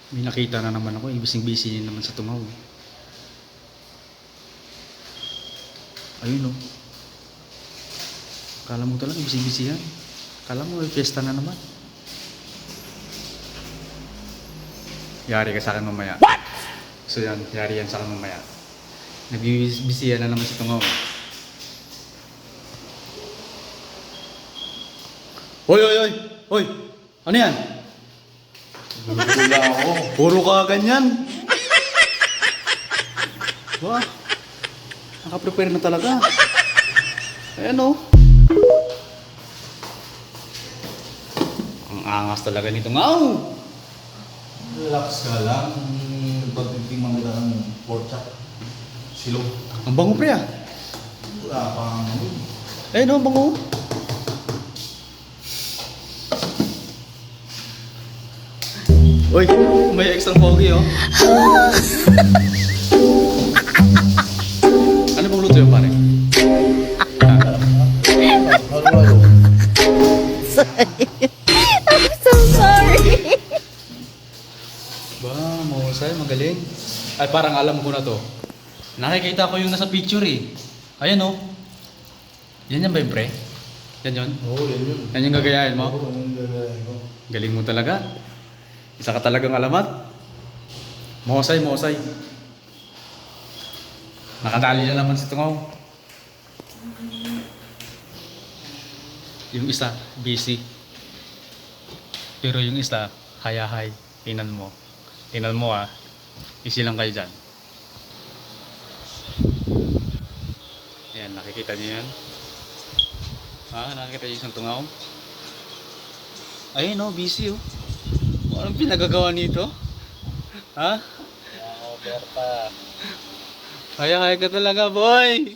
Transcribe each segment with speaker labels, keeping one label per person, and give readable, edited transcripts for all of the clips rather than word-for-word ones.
Speaker 1: May nakita na naman ako, ibising busy naman sa tungaw. Ayun o. Kala mo talaga ibising busy yan. Kala mo may fiesta na naman. Yari ka sa akin mamaya. What? So yan, yari yan sa akin mamaya. Nagbibisihan na naman sa tungaw. Hoy, hoy, hoy! Hoy! Ano yan?
Speaker 2: Wala ako.
Speaker 1: Puro ka ganyan. Wah. Naka-prepare na talaga. Ayan o. Ang angas talaga nito ngaw.
Speaker 2: Relax ka lang. Pagtitingnan kita ng pork chop. Silog.
Speaker 1: Ang bango pre ah.
Speaker 2: Wala pang ano.
Speaker 1: Ayun o, ang bango. Uy, may extra pogi oh. Ano bang luto yun pare?
Speaker 2: Halo-halo.
Speaker 3: I'm so sorry.
Speaker 1: Ba, mahusay, magaling. Ay, parang alam ko na to. Nakikita ko yung nasa picture eh. Ayan oh. Yan yan ba yung pre? Yan yun?
Speaker 2: Oo, yan yun.
Speaker 1: Yan yung gagayahin mo?
Speaker 2: Oo, yan yung gagayahin ko.
Speaker 1: Galing mo talaga. Isa ka talagang alamat. Mahusay, mahusay. Nakadali na naman si tungaw. Yung isa, busy. Pero yung isa, hayahay. Tingnan mo. Tingnan mo ah. Easy lang kayo dyan. Ayan, nakikita niyo yan. Nakikita niyo isang tungaw. Ayun oh, busy oh. Anong pinagagawa nito? Ha?
Speaker 2: Berta.
Speaker 1: Kaya ka talaga, boy!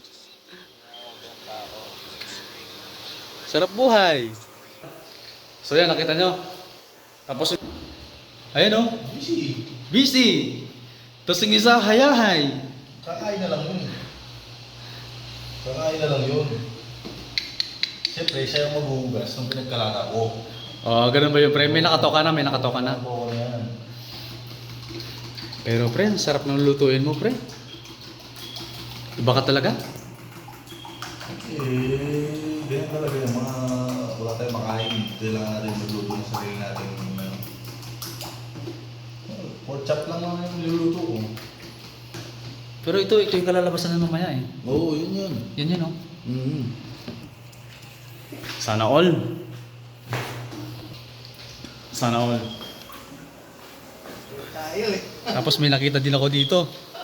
Speaker 1: Sarap buhay! So yan, nakita nyo. Tapos, ayun oh,
Speaker 2: Busy.
Speaker 1: busy! Tapos yung isa, hayahay!
Speaker 2: Kakain na lang yun. Kakain na lang yun. Siyempre, siya yung maghuhugas ng pinagkalata ko.
Speaker 1: Oh, ganun ba yun, pre? May nakatoka na, may nakatoka na.
Speaker 2: Oo, yan.
Speaker 1: Pero pre, ang sarap ng lutuin mo, pre. Iba ka talaga?
Speaker 2: Ganyan talaga yung mga wala tayong makain. Kailangan natin magluto ng sarili natin. Pork chop lang naman yung niluluto ko.
Speaker 1: Pero ito yung kalalabasan na mamaya eh.
Speaker 2: Oo, yun yun.
Speaker 1: Yan yun oh.
Speaker 2: Mm-hmm.
Speaker 1: Sana all. Sana all.
Speaker 2: Tayo eh.
Speaker 1: Tapos may nakita din ako dito.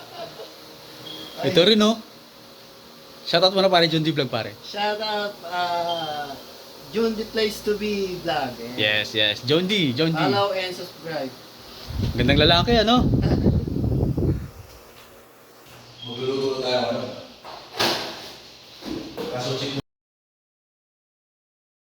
Speaker 1: Ito rin oh. Shoutout mo na pare, John D Vlog pare.
Speaker 4: Shout out, June the place to be vlog.
Speaker 1: Yes, yes. John D, John D.
Speaker 4: Follow and subscribe.
Speaker 1: Gandang lalaki ano?